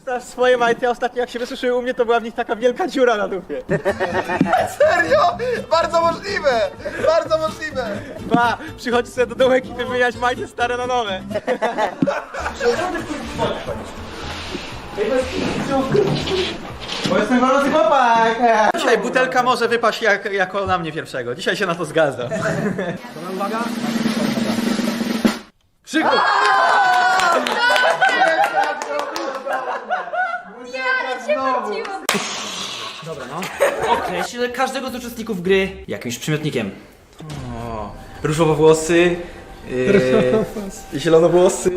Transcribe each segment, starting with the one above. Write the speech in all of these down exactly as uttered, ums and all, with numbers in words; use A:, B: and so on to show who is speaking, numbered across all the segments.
A: Znasz swoje majty, a ostatnio jak się wysuszyły u mnie, to była w nich taka wielka dziura na dupie.
B: Serio? Bardzo możliwe! Bardzo możliwe!
A: Ba, przychodzi sobie do dołek i wymieniać majty stare na nowe. Bo jestem gorący chłopak! Dzisiaj butelka może wypaść jak, jako na mnie pierwszego. Dzisiaj się na to zgadza.
C: Uwaga!
A: Krzyku!
D: Nie, ale cię wróciło.
C: Dobra, no. Określ każdego z uczestników gry jakimś przymiotnikiem.
A: O, różowo-włosy, yy, zielonowłosy.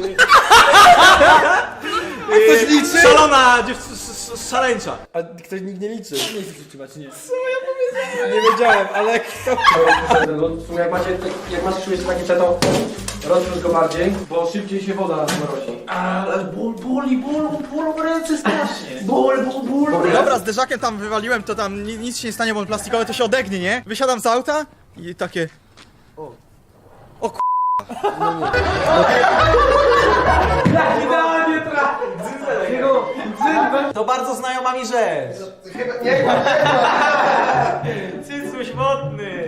B: Ktoś liczy?
A: Szalona dziew- szaleńcza.
B: A ktoś nikt nie liczy.
C: Nie chcesz utrzymać, nie.
B: Nie wiedziałem, ale kto?
E: Jak macie, jak masz czujesz takie to rozróż go bardziej, bo szybciej się woda mrozi.
A: Ale ból, boli, ból, ból w ręce strasznie. Ból, ból, ból. Dobra, z derzakiem tam wywaliłem, to tam ni- nic się nie stanie, bo on plastikowy to się odegnie, nie? Wysiadam z auta i takie... O, o k***.
C: Idealnie trafi!
A: To bardzo znajoma mi rzecz.
B: Nie ma,
A: Cycuś wodny.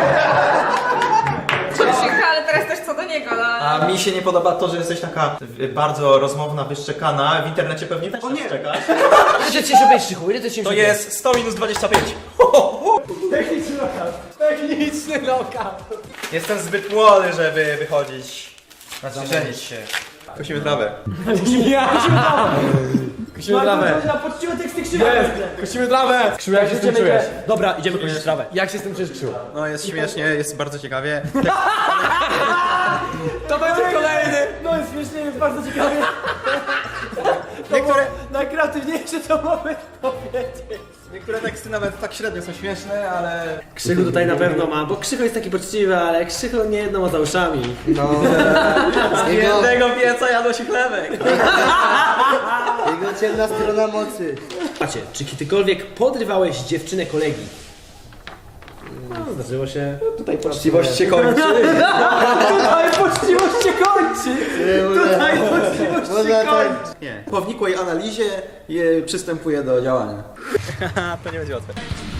D: Krzycha, ale teraz też co do niego, no.
A: A mi się nie podoba to, że jesteś taka y, bardzo rozmowna, wyszczekana. W internecie pewnie też nie czekasz.
C: Ile ty się będziesz Krzychu? Ile ty się
A: To jest sto minus dwadzieścia pięć.
C: Techniczny lokal. Techniczny lokal.
A: Jestem zbyt młody, żeby wychodzić. Znaczy, żenić się. Kusimy trawę.
C: Ja!
A: Kusimy trawę.
C: Na poczciwe teksty Krzycha.
E: Kusimy trawę! Krzył, jak się z tym czujesz?
C: Dobra, idziemy kończyć trawę.
E: Jak się z tym czujesz, Krzył?
A: No jest śmiesznie, jest bardzo ciekawie.
C: To będzie kolejny! No jest śmiesznie, jest bardzo ciekawie.
A: Niektóre,
C: Najkreatywniejsze to mogę powiedzieć.
A: niektóre teksty nawet tak średnio są śmieszne, ale...
C: Krzychu tutaj na pewno ma, bo Krzychu jest taki poczciwy, ale Krzychu nie jedną ma za uszami.
B: No.
A: Z jednego pieca jadło się chlebek.
B: Jego ciemna strona mocy.
C: Macie, czy kiedykolwiek podrywałeś dziewczynę kolegi? No, zdarzyło się. Tutaj
A: Poczciwość się kończy.
C: Tutaj poczciwość się kończy! Tutaj poczciwość się kończy!
A: Nie. Po wnikłej analizie je przystępuję do działania. To nie będzie łatwe.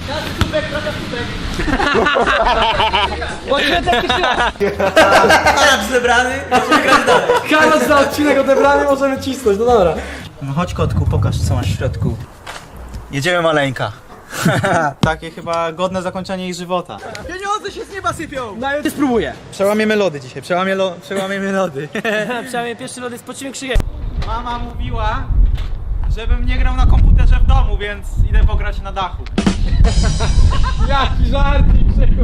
A: Karol zebrany, możemy grać dalej.
E: Karol za odcinek odebrany, możemy cisnąć, no dobra.
A: No chodź kotku, pokaż co masz w środku. Jedziemy maleńka. Takie chyba godne zakończenie jej żywota. Pieniądze się z nieba sypią!
C: No i spróbuję.
A: Przełamiemy lody dzisiaj, przełamie lo, przełamiemy lody.
C: Przynajmniej pierwszy lody z poczciwym krzykiem.
A: Mama mówiła, żebym nie grał na komputerze w domu, więc idę pograć na dachu.
E: Jaki żartik, Krzychu.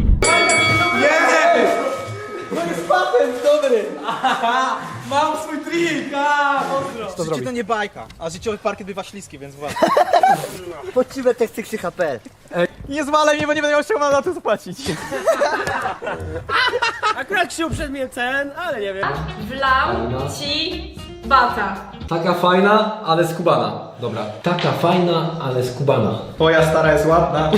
A: Mam swój trik! A, mocno! Życie to nie bajka, a życiowy parkiet bywa śliski, więc uważaj.
B: Poczciwe teksty Krzycha kropka pe el.
A: Nie zwalaj mnie, bo nie będę miał z czego na to zapłacić.
C: Akurat Krzychu przed mnie cen, ale nie wiem.
D: Wlał ci bata.
E: Taka fajna, ale skubana. Dobra. Taka fajna, ale skubana.
A: Twoja stara jest ładna.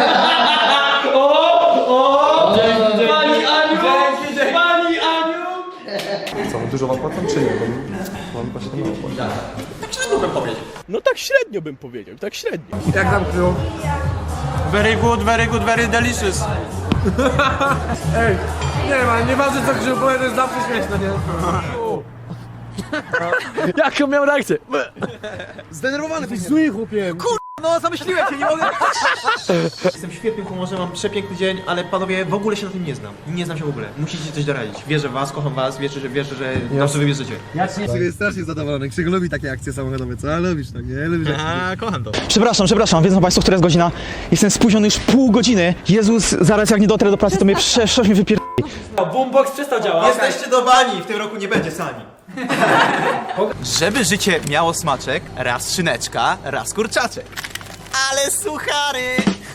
C: Pani Aniu! Pani Aniu!
B: Co, dużo wam płacą czy nie? Bo mam właśnie mało płacą.
F: No tak średnio bym powiedział, tak średnio.
B: Jak tam Krzył?
A: Very good, very good, very delicious.
E: Nie ma, nieważne co Krzył powie, to jest zawsze śmieszne, nie?
F: Jaką miał reakcję?
B: Zdenerwowany ty
F: Zły chłopie.
A: No, zamyśliłem się, nie mogę. Jestem w świetnym humorze, mam przepiękny dzień, ale panowie, w ogóle się na tym nie znam. Nie znam się w ogóle. Musicie coś doradzić. Wierzę w was, kocham was, wierzę, że wierzę, że dobrze wybierzecie.
B: Krzyk jest strasznie zadowolony. Krzyk lubi takie akcje samochodowe, co? Ale lubisz tak, nie? Lubisz jak
A: A, kocham to.
G: Przepraszam, przepraszam, wiedzą państwo, która jest godzina? Jestem spóźniony już pół godziny. Jezus, zaraz jak nie dotrę do pracy, to mnie przeszło mnie wypier...
C: Boombox przestał działać.
A: Jesteście do bani, w tym roku nie będzie sani. Żeby życie miało smaczek, raz szyneczka, raz kurczaczek. Ale suchary!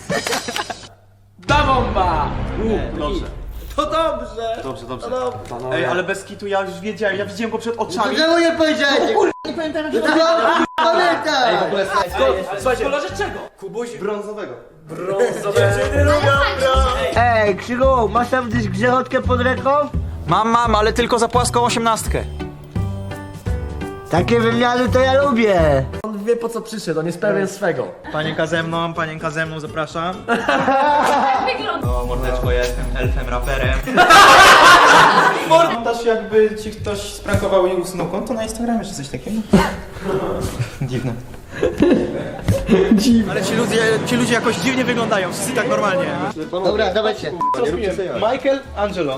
C: Da bomba!
A: Dobrze.
C: To dobrze!
A: Dobrze, dobrze. Ej, ale bez kitu ja już wiedziałem, ja widziałem go przed oczami.
B: Czemu nie powiedziałeś? Nie pamiętam jak się pamiętaj!
C: Słuchajcie, kolorze czego?
E: Kubuś brązowego.
C: Brązowe.
B: Ej, Krzyku, masz tam gdzieś grzechotkę pod ręką?
A: Mam, mam, ale tylko za płaską osiemnastkę.
B: Takie wymiany to ja lubię.
E: on wie po co przyszedł, on jest pewien swego.
A: Panienka ze mną, panienka ze mną, zapraszam.
D: Wygląda.
A: No mordeczko, ja jestem elfem, raperem. Montaż jakby ci ktoś sprankował i usunął konto na Instagramie czy coś takiego? Dziwne. Dziwne. Ale ci ludzie, ci ludzie jakoś dziwnie wyglądają, wszyscy tak normalnie.
B: Dobra, dawajcie.
A: Co zmieniłem? Michael, Angelo.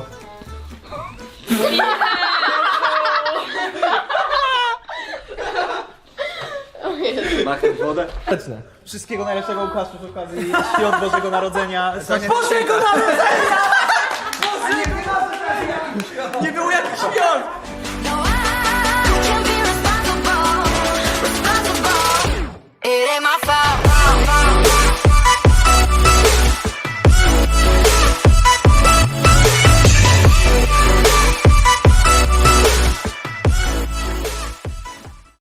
B: Machnąć wodę.
A: Wszystkiego najlepszego Łukaszu z okazji świąt Bożego Narodzenia. Bożego Narodzenia! Nie było jakichś świąt!